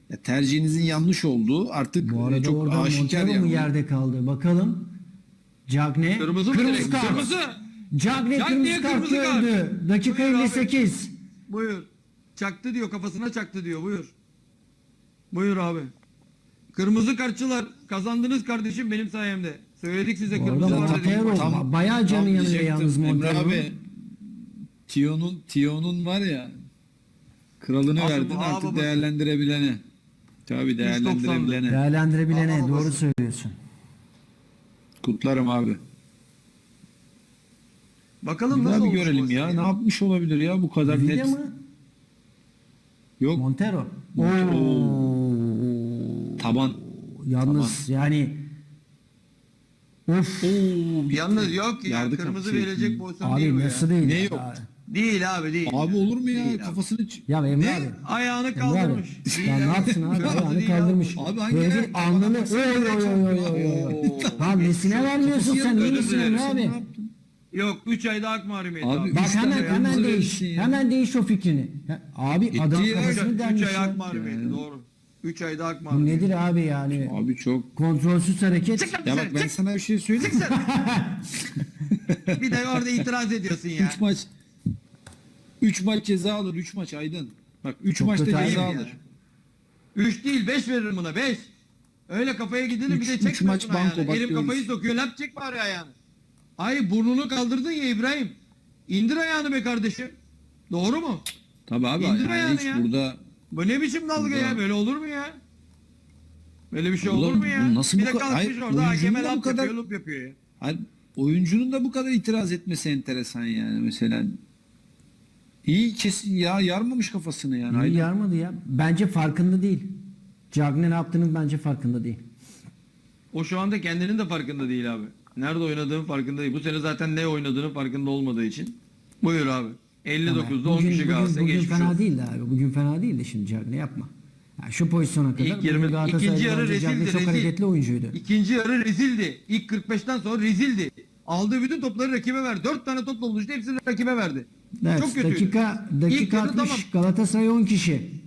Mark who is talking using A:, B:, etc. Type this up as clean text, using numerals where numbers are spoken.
A: Ya tercihinizin yanlış olduğu artık
B: Bu arada
A: çok
B: oradan
A: aşikar
B: Montero mu
A: yani.
B: yerde kaldı? Bakalım. Cagne.
C: Kırmızı mı direkt?
B: kart.
C: Kırmızı.
B: Cagne
C: Cagney'e
B: kırmızı kart
C: kırmızı kart.
B: gördü. Dakika
C: Buyur abi.
B: 58.
C: Buyur. Çaktı diyor, kafasına çaktı diyor. Buyur. Buyur abi. Kırmızı kartçılar kazandınız kardeşim benim sayemde. Söyledik size
B: Bu
C: kırmızı
B: arada
C: var dedik.
B: Montero
A: Tam-
B: bayağı canı
A: tam
B: yanıyor
A: diyecektim.
B: yalnız
A: Emre
B: Montero.
A: abi Tio'nun var ya kralını
C: Asıl
A: verdin
C: ağa
A: artık
C: babası.
A: değerlendirebilene. Tabii değerlendirebilene.
B: Değerlendirebilene
C: Aa,
B: doğru
C: babası.
B: söylüyorsun.
A: Kutlarım abi.
C: Bakalım
A: Bir
C: nasıl
A: daha bir
C: olmuş
A: görelim
C: bu
A: ya.
C: isim
A: Ne yapmış olabilir ya bu kadar
B: Villa
A: net.
B: mı?
A: Yok.
B: Montero.
A: Montero.
B: Oo.
A: Taban.
B: Yalnız yani of.
A: Oo,
C: Yalnız yok ya,
A: Yardı
C: kırmızı
A: kapı.
C: verecek pozisyon değil
B: Abi
C: bu
B: nasıl
C: ya.
B: değil?
A: Ne
B: ya?
A: yok?
C: Değil abi değil.
A: Abi olur mu ya?
C: Değil abi.
A: Kafasını
B: Ya Emre
C: Ne?
B: abi.
C: Ayağını
B: Emre
C: kaldırmış.
B: abi.
C: Değil
B: Ya ne
C: abi.
B: yapsın abi?
C: Kırmızı
B: Ayağını
C: değil
B: kaldırmış.
A: Abi hangi
B: Herifin
A: ayak?
B: alnını
A: Kafasını
B: oy oy oy oy oy oy.
C: Oo.
B: Ha nesine vermiyorsun sen?
C: Özür
B: İyi misin
C: dilerim.
B: Emre abi?
C: Yok 3 ayda hak mahrumiyeti
A: Abi,
C: abi.
B: Bak
A: Üç tane
B: hemen
A: kırmızı
B: değiş.
A: verirsin ya.
B: Hemen değiş o fikrini. Ya, abi adam
A: ya.
B: kafasını
C: 3
B: delmiş
C: ay hak
B: ya.
C: mahrumiyeti doğru. 3 ayda hak
B: Bu
C: mahrumiyeti.
B: nedir abi yani?
A: Abi çok.
B: Kontrolsüz hareket.
C: Çık lan
A: Ya bak
C: dışarı,
A: ben
C: çık.
A: sana bir şey söyleyeyim.
C: Bir de orada itiraz ediyorsun ya.
A: 3 maç ceza alır. 3 maç Aydın. Bak 3
B: Çok
A: maçta
B: kötü
A: ceza
C: ayıp ya.
A: alır.
C: 3 değil 5 veririm buna 5. Öyle kafaya gidilir bir de
A: Üç
C: çekmiyorsun
A: maç banko,
C: ayağını.
A: bak
C: Elim kafayı
A: görürsün.
C: sokuyor lap çek bari ayağını. Ay burnunu kaldırdın ya İbrahim. İndir ayağını be kardeşim. Doğru mu?
A: Tabii abi
C: İndir
A: yani
C: ayağını
A: hiç
C: ya.
A: burada
C: Bu ne biçim dalga ya? Böyle olur mu ya? Böyle bir şey
A: Oğlum,
C: olur mu ya?
A: bu nasıl
C: bir
A: bu
C: de
A: kadar-
C: kalkmış
A: Hayır,
C: orada
A: oyuncunun
C: hakeme
A: da bu
C: laf
A: kadar-
C: yapıyor, lup yapıyor ya.
A: hani oyuncunun da bu kadar itiraz etmesi enteresan yani mesela. İyi kesin ya yarmamış kafasını yani.
B: İyi
A: Aydın.
B: yarmadı ya. Bence farkında değil. Cagne ne yaptığının bence farkında değil.
C: O şu anda kendinin de farkında değil abi. Nerede oynadığının farkında değil. Bu sene zaten ne oynadığının farkında olmadığı için. Buyur abi. 59'da 10 kişi Galatasaray
B: bugün
C: geçmiş
B: fena
C: olsun.
B: değildi abi. Bugün fena değildi şimdi Cagne yapma. Ya şu pozisyona kadar
C: İlk
B: bugün
C: 20
B: Galatasaray'da
C: ikinci yarı
B: bence Cagne
C: rezildi,
B: çok
C: rezil.
B: hareketli oyuncuydu.
C: İkinci yarı rezildi. İlk 45'ten sonra rezildi. Aldığı bütün topları rakibe verdi. 4 tane topla buluştu. Hepsini rakibe verdi.
B: Evet,
C: Çok kötüydü.
B: dakika
C: İlk yarı
B: 60
C: tamam.
B: Galatasaray 10 kişi.